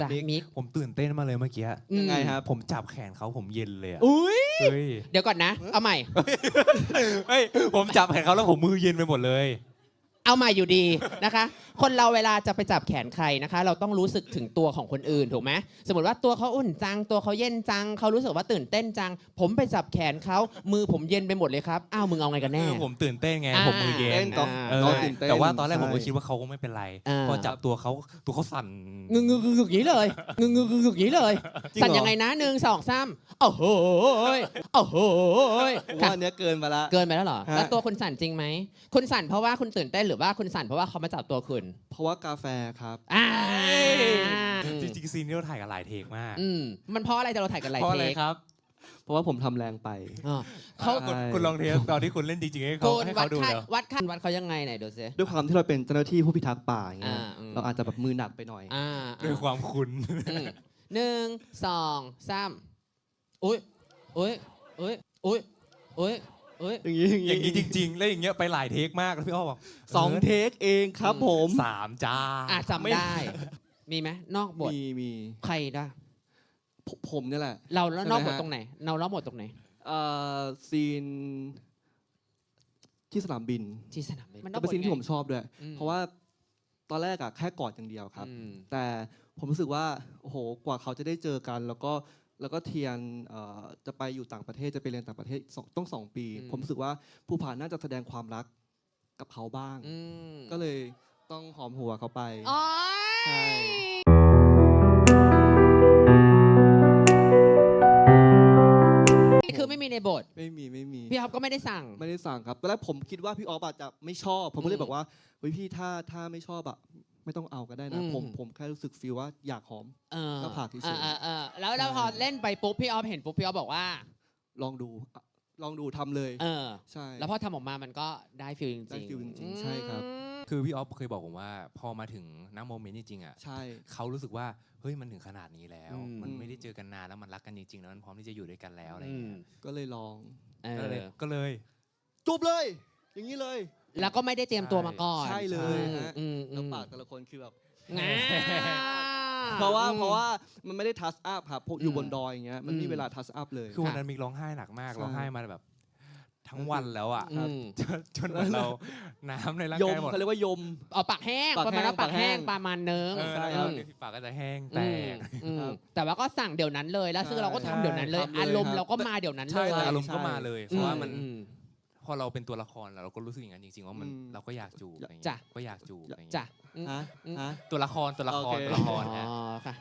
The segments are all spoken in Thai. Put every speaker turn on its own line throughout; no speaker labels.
จ้ะมิก
ผมตื่นเต้นมากเลยเมื่อกี้
ยังไงครับ
ผมจับแขนเขาผมเย็นเลยอะ
อุ้ย
เฮ้ย
เดี๋ยวก่อนนะ เอาใหม่
เฮ้ยผมจับแขนเขาแล้วผมมือเย็นไปหมดเลย
เอาใหม่อยู่ดีนะคะ คนเราเวลาจะไปจับแขนใครนะคะ เราต้องรู้สึกถึงตัวของคนอื่นถูกไหมสมมติว่าตัวเขาอุ่นจังตัวเขาเย็นจังเขารู้สึกว่าตื่นเต้นจัง ผมไปจับแขนเขามือผมเย็นไปหมดเลยครับอ้าวมึงเอาไงกันแน่
ผมตื่นเต้นไงผมมือเย็
เต้
น
นต่อ
เออ
ตื่นเต้น
แต่ว่าตอนแรกผมก็
ใช่
คิดว่าเขาคงไม่เป็นไร
อ่า
พอจับตัวเขาสั่น
งึกอย่างนี้เลยงึกอย่างนี้เลย
จริงเหรอ
สั่นยังไงนะ1 2 3โอ้โหโอ้โห
ผม
ค่ะ
ว่าอันเนี้ยเกินมาละ
เกินไปแล้วเหรอ
ฮะ
แล้วตัวคุณสั่นจริงไหมคุณสั่นเพราะว่าคุณตื่นเต้นหรือว่าคุณสั่นเพราะว่าเขามาจับตัวคุณ
เพราะว่ากาแฟครับ
อ่า
จริงๆซีนนี้เราถ่ายกันหลายเทคมาก
มันเพราะอะไรแต่เราถ่ายกันหลาย
เพราะ
เท
อะไร
ค
ครับ
เพราะว่าผมทำแรงไป
อ๋อเขา
ใช่
คุณลองเทสตอนที่คุณเล่นจริงๆให้เขา
คุณ
ให้
วั
เขา
ด
ดู
ค่า
แล้ว
วัดเขายังไงไหนดูซิ
ด้วยความที่เราเป็นเจ้าหน้าที่ผู้พิทักษ์ป่าอย่างเงี้ย เราอาจจะแบบมือหนักไปหน่อย
ด้วยความคุ้น
1 2 3อุ้ยอุ้ยอุ้ยอุ้ยอุ้ยอุ้ย
อย่างนี้
อย่างนี้จริงๆแล้วอย่างเงี้ยไปหลายเทคมากแล้วพี่อ้อบอก
2 เทคเองครับผม
3จ้า
จำได้ มีไหมนอกบท
มี
ใครได้
ผมเนี่ยแหละ
เราแล้วนอกบท
ใช่ไหมฮะ
ตรงไหนเรานอกบทตรงไหน
ซีนที่สนามบิน
ที่สนามบิน
ก็เป็นซีนที่ผมชอบด้วย
อืม
เพราะว่าตอนแรกอะแค่กอดอย่างเดียวครับ
อืม
แต่ผมรู้สึกว่าโอ้โหกว่าเขาจะได้เจอกัน แล้วก็เทียนจะไปอยู่ต่างประเทศจะไปเรียนต่างประเทศต้อง2 ปี ผมรู้สึกว่าภูผาน่าจะแสดงความรักกับเขาบ้าง
อืม
ก็เลยต้องหอมหัวเขาไป
อ๋อ
ใช่
นี่คือไม่มีในบท
ไม่มี
พี่อ๊อฟก็ไม่ได้สั่ง
ไม่ได้สั่งครับตอนแรกผมคิดว่าพี่ออฟอาจจะไม่ชอบ ผมก็เลยบอกว่าเฮ้ยพี่ถ้าไม่ชอบอะไม่ต้องเอาก็ได้นะ
อืม
ผมแค่รู้สึกฟีลว่าอยากหอม หน้าผากเฉยๆ
แล้วพอเล่นไปปุ๊บพี่ออฟเห็นปุ๊บพี่ออฟบอกว่า
ลองดูทำเลย ใช่
แล้วพอทำออกมามันก็ได้ฟีลจริงๆ
ได้ฟีลจริงๆใช่ครับ
คือพี่ออฟเคยบอกผมว่าพอมาถึงณโมเมนต์จริงๆอ่ะ
ใช่
เขารู้สึกว่าเฮ้ยมันถึงขนาดนี้แล้ว
อืม
มันไม่ได้เจอกันนานแล้วมันรักกันจริงๆแล้วมันพร้อมที่จะอยู่ด้วยกันแล้วอะไรอย่างเงี้ย
ก็เลยลอง
ก็เลย
จูบเลย อย่างนี้เลย
แล้วก็ไม่ได้เตรียมตัวมาก่อน
ใช่เลยฮะ
อืม
แล้วปากแต่ละคนคือแบบ
งา
เพราะว่ามันไม่ได้ทัชอัพครับพวกอยู่บนดอยอย่างเงี้ยมันไม่มีเวลาทัชอัพเลย
คือวันนั้นมิกร้องไห้หนักมาก
ใช่
ร้องไห้มาแบบทั้งวันแล้วอ่ะ
อืม
จนเหมือนเราน้ำในร่าง
ยม
กายหมด
เขาเรียกว่ายม
เอาปากแห้ง
ปาก
ประมาณว่า
แห้ง
ปากแห้ง
ปากแห้ง
ประมาณนึง
ใช่
ค
ค
รั
รับ บปากก็จะแห้งแตก
ครับ
แต่ว่าก็สั่งเดี๋ยวนั้นเลยแล้วซึ่งเราก็ทำเดี๋ยวนั้นเลย
ใช่
อารมณ์
ครับ
เราก็มาเดี๋ยวนั้นเล
ใช่
ย
แต่อารมณ์ก็มาเลย เพราะว่ามัน
อืม
พอเราเป็นตัวละครแล้วเราก็รู้สึกอย่างนั้นจริงๆว่ามันเราก็อยากจูบอะไรอย่าง
จ้ะ
เงี้ยก็อยากจูบอะไรอย่างเงี้ย
จ้ะอืม
ฮะ
อืม
ฮะ
ตัวละคร
โอเค
ตัวละคร
อ๋
ฮะ
อค่ะ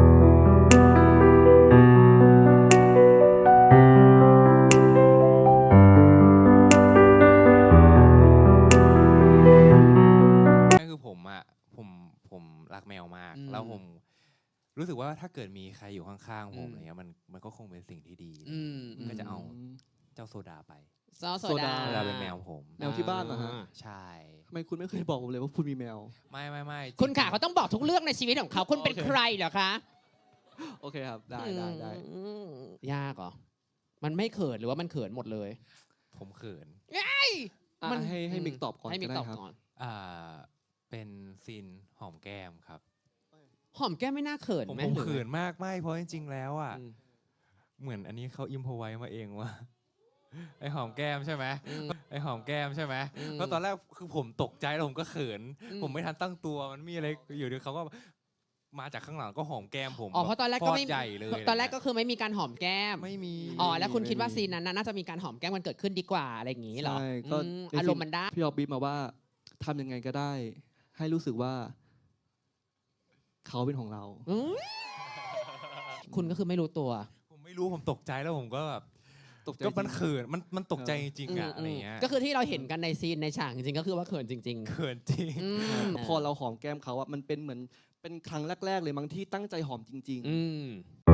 นั่นคือผมอ่ะผมรักแมวมาก
อืม
แล้วผมรู้สึกว่าถ้าเกิดมีใครอยู่ข้างๆผมอะไรเงี้ยมันก็คงเป็นสิ่งที่ดี
อืม
ก็จะเอาเจ้าโซดาไป
ซอสโซ
โซ
ดา
ดา
โซดาเป็นแมวผม
แมวที่บ้านเหรอฮะ
ใช่
ทำไมคุณไม่เคยบอกผมเลยว่าคุณมีแมว
ไม่
คุณขาเขาต้องบอกทุกเรื่องในชีวิตของเขาคุณเป็น
โอเค
ใครเหรอคะ
โอเคครับ ได้
อืมยากเหรอมันไม่เขินหรือว่ามันเขินหมดเลย
ผมเขิน
อ่ะ
มัน
ให้มิกตอบก่อน
ให้มิก
ก็
ต
ได้
อบ
ครับ
ก่อน
เป็นซีนหอมแก้มครับ
หอมแก้มไม่น่าเขิน
ผม
ไหม
เขินมากไม่เพราะจริงๆแล้วอ่ะ
อืม
เหมือนอันนี้เขาอิมพอไว้มาเองว่า ไอหอมแก้มใช่ไหม
อืม
ไอหอมแก้มใช่ไหม
อืม
เพราะตอนแรกคือผมตกใจแล้วผมก็เขิน
อืม
ผมไม่ทันตั้งตัวมันมีอะไรอยู่ดีเขาก็มาจากข้างหลังก็หอมแก้มผม
อ๋อเพราะตอนแรกก็ไม่
ฟดใหญ่เลย
ตอนแรกก็คือไม่มีการหอมแก้ม
ไม่มี
อ๋อแล้วคุณคิดว่าซีนนั้นน่ะน่าจะมีการหอมแก้มกันเกิดขึ้นดีกว่าอะไรอย่างงี้เหรอ
ใช่ก็
อืม
ในซีน
อารมณ์มันได้
พี่ออฟบีบมาว่าทำยังไงก็ได้ ให้รู้สึกว่าเขาเป็นของเรา
อืมคุณก็คือไม่รู้ตัว
ผมไม่รู้ผมตกใจแล้วผมก็แบบ
ตกใจ
ก็มัน
จริง
เขินมันตกใจจริงๆอะ
ม
อะไรเงี้ย
ก็คือที่เราเห็นกันในซีนในฉากจริงๆก็คือว่าเขินจริง
เขินจริง
ๆอืม
พอเราหอมแก้มเขาอะมันเป็นเหมือนเป็นครั้งแรก ๆ เลยมั้งที่ตั้งใจหอมจริง
อืม